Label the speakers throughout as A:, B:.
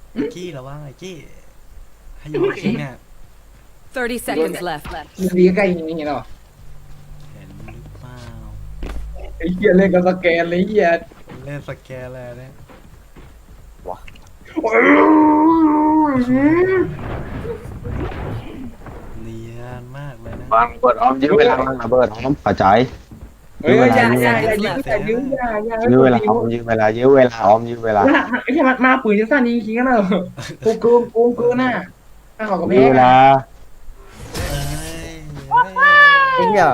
A: กี้ระวังไอ้กี้ให้อยู่จริงเนี่ย
B: 30 seconds left.
C: มันดีใกล้อย่างนี้เหรอ
A: เห็นหรือเปล่า
C: ไอ้เหี้ยเล่นกับสแกนเลยเหี้ย
A: เล่นสแกนเลยเนี่ย
C: โอ้ย
A: เนียนมากเลยนะ
D: วางเบิดออมยื้อเวลาวางระเบิดออมปัจจัย
C: เฮ้ยอย่ายื้ออย่า
D: ยื้อเวลาออมยื้อเวลายื้อเวลาออมยื้อเวลา
C: ไอ้เหี้ยมาปืนจะสั้นจริงๆกันเหรอกูน่ะถ้าเขากับ
D: ยื้
C: แพ้
D: อเวลา
A: เอ้ย
E: ไอ้เหี้ย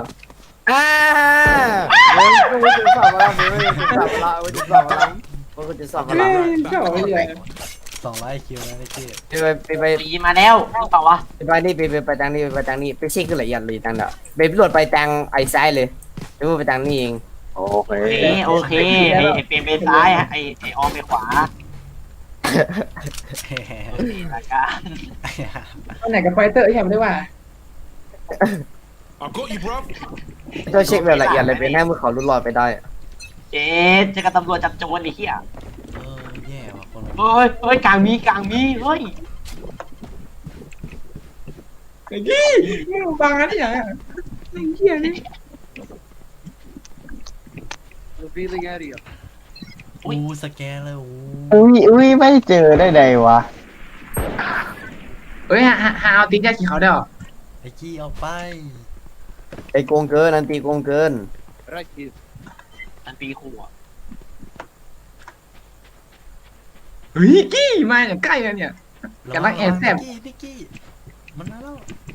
E: กูจะสอบมาแล้วกูจะสอบมาแล้วกูจะสอบมาแล้ว
C: ชอบไอ้เหี้ย
A: 200 คิวนะไอ้กี้
E: ไป
F: ปีมาแล้วหรือเปล่าวะ
E: ไปนี่ไปทางนี้ไปทางนี้ไปเช็คกันละเอียดเลยทางเด้อไปพิโรดไปทางไอ้ซ้ายเลยแล้วไปทางนี้เอง
D: โอเค
F: โอเคไอ้เปลี่ยนไปซ้ายไอ้ออมไปขวาละกัน
C: ตอนไหนกับไฟเตอร์ไอ้เหี้ยไม่ได้ว่า
G: I got you, bro.
E: ต้องเช็คแบบละเอียดเลยเป็นให้มือเขาลุดลอยไปได้
F: เจ๊จะกับตำรวจจับโจรไอ้เหี้ย
A: แย่ว่ะคน
F: เฮ้ยกลางมีเฮ้ย
C: ไอ้กี้มึงบังอะไรอย่างไอ้เหี้ยนี่
A: อู้สแกนเลยอู้
D: อุ้ยไม่เจอได้ไงวะ
C: เฮ้ยหาเอาตีนยาขี่เขาได้หรอ
A: ไอ้กี้เอาไป
E: ไอ้โกงเกินนันตีโกงเกิน
F: อันปีขู่อ่ะ
C: เฮ้ยกี้มาอย่างใกล้เลยเนี่ย กำลังแอบแซ่บ
A: นิกกี้มันมาแล้ว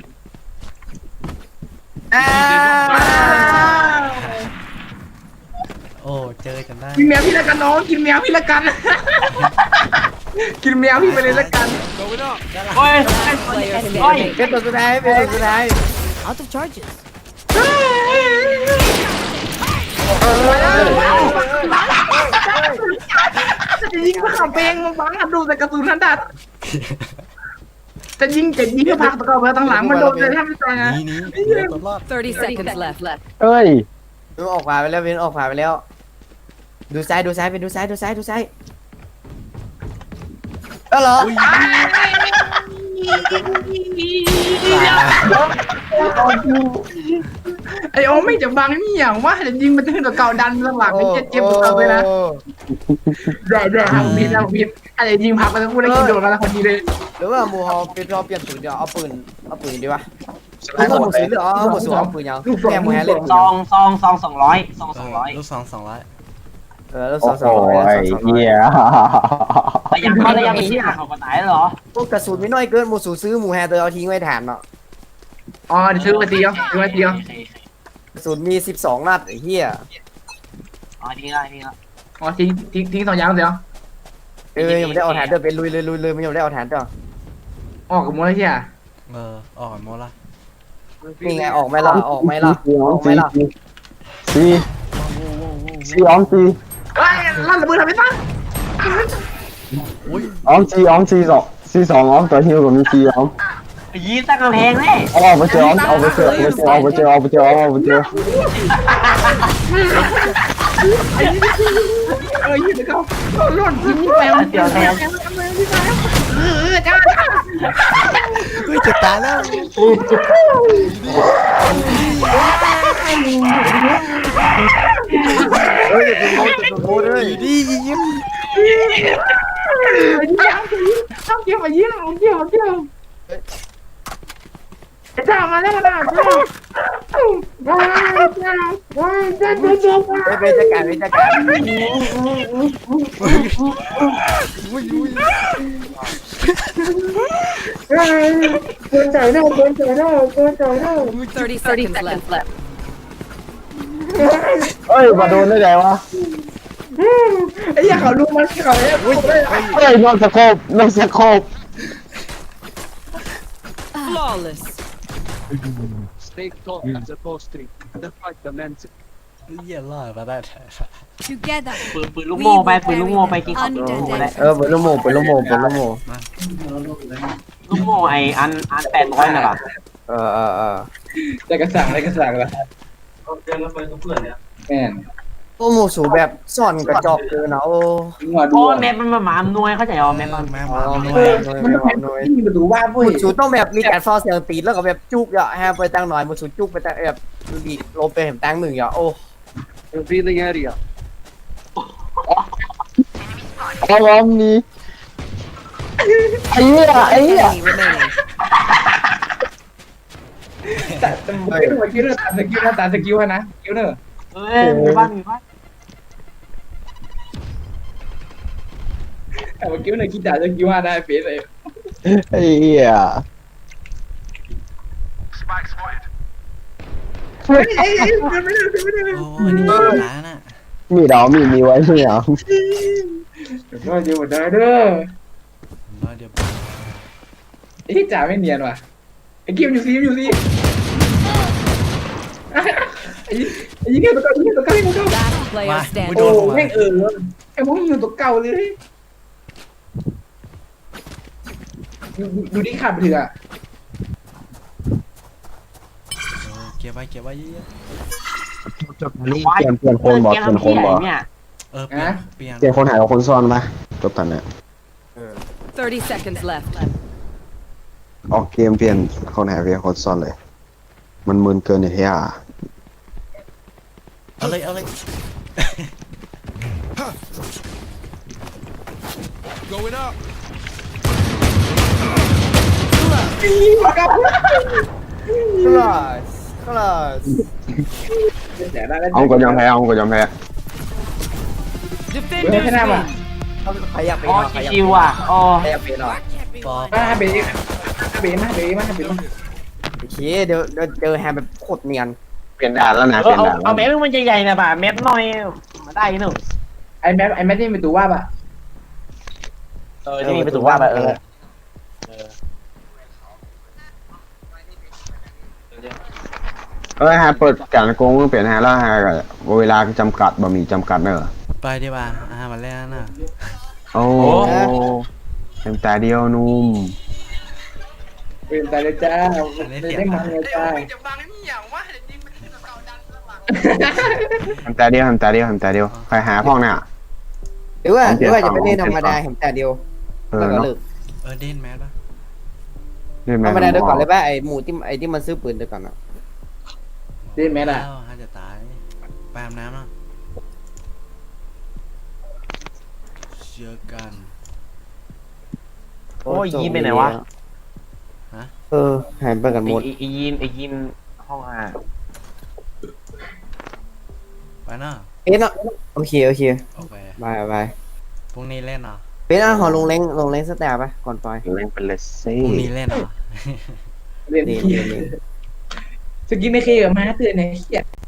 A: โอ้เจอกันได้
C: กินแมวพี่ละกันน้องกินแมวพี่ละกัน กินแมวพี่ไปเลยละกัน
G: Going up.
F: เฮ้ย
B: Player
F: เฮ้ย
B: standing.
E: เป็นตัวสุดท้ายเป็นตัวสุดท้าย
B: Out of charges.
C: จะยิงมาขับเพลงมาบังดูแต่กระสุนนันดัดจะยิงเพื่อพักตะกอนไปทางหลังมันโดนเลยแทบไม่ตายนะ
A: นี่ตัวรอด
B: 30 seconds left.
D: เอ้ย
E: เป็นออกขวาไปแล้วเป็นออกขวาไปแล้ว ดูซ้ายเป็นดูซ้ายก็เหรอ
C: ไอโอไม่จะบังนี่อย่างว่าจะยิงมันจะขึ้นกับเก่าดันหลังไม่เจ็บตัวไปนะแด่ทำพิษอะไรยิงพักไปทั้งคู่ได้กินโดนกันแล้วพอดีเลย
E: หรือว่าหมูฮอเป็นรอเปลี่ยนปืนเดี๋ยวเอาปืนดีวะเอาหมูสีหรือเอาหมูสูงเอาปืนยังแกหมูแฮเล่น
F: ซอง200
A: ลูก200
E: แล้ว
D: โอ้
E: สอง
D: โหไอ้เหี้ย
F: แต่ยังเขาได้ยังมีที่หาเขากฎหมายเหรอ
E: พวกกระสุนไม่น้อยเกินหมูสูซื้อหมูแฮเตอร์เอาทิ้งไว้ฐานเนาะ
C: อ๋อเดี๋ยวซื้อมาตีเอาซื้อมาตีเอา
E: กระสุนมี12นัดไอ้เหี้ย
F: อ๋อดีละ
C: อ๋อทิ้ง2 อย่างเดียว
E: ยังไม่ได้เอาฐานเด้อเป็นลุยเลยมันยังไม่ได้เอาฐานเด้อ
C: ออกกับมือเลยใช่ไหม
A: ออกหมดละ
E: นี่ไงออกไหมล่ะออกไหมล่ะ
D: ซีออมซี
C: เฮ้ยลั่นระเบิดทำไมตั้ง
D: ออมซีออมซีสองออมตัวฮิวกับมีซีออม
F: ยีตั้งกำแพงเลย
D: เอาไปเจอเอาไปเจอ
C: ยืนเขาหล่นทิ้งแมวจ้า
A: กูจะตายแล้ว
E: เฮ้ยจะโม้เลย
A: ดียิ้ม
C: ต้องเกี่ยวมายิ้มเกี่ยวจ้ามาแล้วนะ
E: เป็นจัดการ
C: คนใจได้
B: 30 seconds left.
D: เอ้ยมาโดนได้ไงวะ
C: ไอ้ยาเขารู้มันเขาเนี่ย
D: เอ้ยนอกสโคป
B: Flawless.
G: Stay close as opposed to the fight commences.
A: เยี่ยรอดมาได้
H: Together,
F: ปืนลูกโม่ไปกินของลูกโม่ได้
E: เปิดลูกโม่
F: ลูกโม่ไออัน800น่ะป่ะ
E: เออ
C: ได้กระสังละแม่น
E: โอ้หมูสูแบบซ่อนกระจอกเกินนะโอ้
C: หัวดู
F: โอ้แมปมันมาหมาอำนวยเข้าใจอ๋อแมปมัน
A: แม่
E: อ๋
A: มา
E: อ
A: หน่
E: ไม่
A: วย
C: มันต้องให้ประตูว่าเว้ย
E: หมูสูต้องแบบมีการฟอเสียงตีแล้วก็แบบจุกอ่ะแฮไปตั้งหน่อยหมูสูจุกไปตั้งแบบดีลงไปเห็นตั้งหนึ่งอ่ะโอ้
G: Revealing area.
D: เอาล้อมนี้ไอ้เหี้ยไอ้เหี้ย
B: Enemy remaining.
C: แต่ไม่ดูว่าคิวเนอร์ตามสกิลนะตามสกิลนะคิวเนอร์
F: เอ้ยมีบ้านมีบ้าน
C: แต่ว่าคิวเนอร์คิดด่าสกิลได้เฟสเลย
D: ไอ้เหี้ย
C: เฮ้ยไม่ได้
A: โอ้ยนี่มันร้านอ่ะ
D: มีดอกมีไว้ใช่ไหม
C: ก็เดี๋ยวเด้อ
A: ร้อยเดียว
C: ไอ้ที่จ่าไม่เนียนว่ะไอ้คิวอยู่ซีไอ้ยี่เนี่ยตัวเก่าตัวเก่าตัวเก่า
B: Last player
A: มาไม่
B: standing.
A: โดน
C: โอ้
A: หัว
C: แม่งไอ้พวกนี้อยู่ตัวเก่าเลยดูดิขับเถื่อ
A: เก็บไว้เยอะ
D: นี่เปลี่ยนคนบอกเปลี่ยนคนบอก
F: เนี่ย
A: ๆเปลี่ยน
D: เปลี่ยนคนหายกับคนซ่อนไหมจบตันเนี่ย
B: 30 seconds left.
D: ออกเกมเปลี่ยนคนหายเปลี่ยนคนซ่อนเลย มันมึนเกินไอ้เหี้ย
A: เอาเลย
H: Going up.
E: คลาส
C: แต่ได้แล้ว
D: เอาก็ยอมแพ้เอาก็ยอมแพ้
C: ไม่ใช่หน้ามา
E: ใครอยากเป็น
F: อ๋อ
E: ใครอยาก
F: ชิวๆอ่ะอ๋อ
E: ใครอยากเป็นหรอ
A: ปอ
C: มาเบย์มา
E: โอเคเดี๋ยวเจอแฮมแบบโคตรเนียน
D: เปลี่ยนด่านแล้วนะ
F: เอ
D: เป
F: อ
D: ลี่ยนด่าน
F: เอาแมปมันใหญ่ๆนะป่ะแมปน้อยมาได้หนู
C: ไอ้แมทนี่เป็นตัวว่าป่ะ
F: ที่มีประตูว่าป่ะ
D: ฮะเปิดการโกงเปลี่ยนฮะแล้วฮะเวลาจำกัดบะหมี่จำกัดเนอะ
A: ไปดีกว่ามาแล้วนะ
D: โอ้เต็มตาเดียวนุ่ม
C: เป็นตาเลยจ้าได้มาเลยจ้า
D: ทำตาเดียวใครหาพ่องเนี่ย
E: หรือว่าจะเป็นเล่นธรรมดาแฮมแต่เดียว
D: เอ
E: แล้ว
D: อ
E: ก็
D: เนาะ
E: เลิก
A: เด่นแมสปะ
E: ธรรมดาเดี๋ยวก่อนเลยป่ะไอ้หมูที่มันซื้อปืนเดี๋ยวก่อนอ่ะ
A: ฮะจะตายแปมน้ำนะเชื่อกัน
F: โอ้ยยีนไปไหนวะ
E: หายไปกันหมด
F: ไอยีนห้องอา
A: ไปเนาะ
E: เนาะโอเค
A: โอเค
E: บาย
A: พรุ่งนี้เล่นเหรอ
E: ขอลงเล้งสแตปป่ะก่อนปล่อย
D: เล่นเป็นเลส
A: พ
D: ซี่
A: รุ่งนี้เล่นเหรอ
C: เรียน
E: นี่
C: สกินไม่เคยกับมาเตือนเนี่ยเฮีย